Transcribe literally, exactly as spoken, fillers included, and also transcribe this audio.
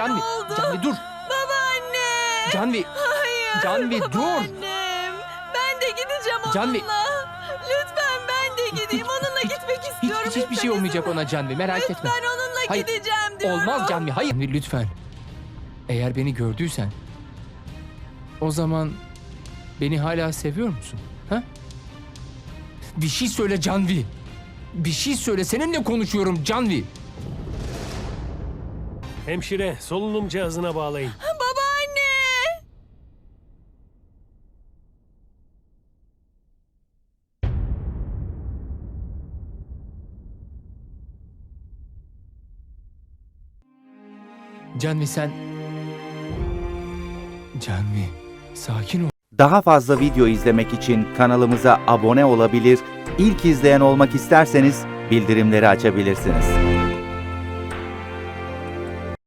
Canvi, oldu? Canvi dur. Babaanne. Canvi, Hayır. Canvi dur. Babaannem. Ben de gideceğim onunla. Canvi. Lütfen ben de gideyim. Onunla gitmek Hiç, istiyorum. hiç, hiçbir Lütfen şey olmayacak izin ver. ona Canvi, merak etme. Lütfen onunla Hayır, gideceğim diyorum. Olmaz Canvi, hayır. Canvi, lütfen. Eğer beni gördüysen, o zaman beni hala seviyor musun? Ha? Bir şey söyle Canvi. Bir şey söyle, seninle konuşuyorum Canvi. Hemşire, solunum cihazına bağlayın. Babaanne. Canvi sen... Canvi, sakin ol. Daha fazla video izlemek için kanalımıza abone olabilir, ilk izleyen olmak isterseniz bildirimleri açabilirsiniz.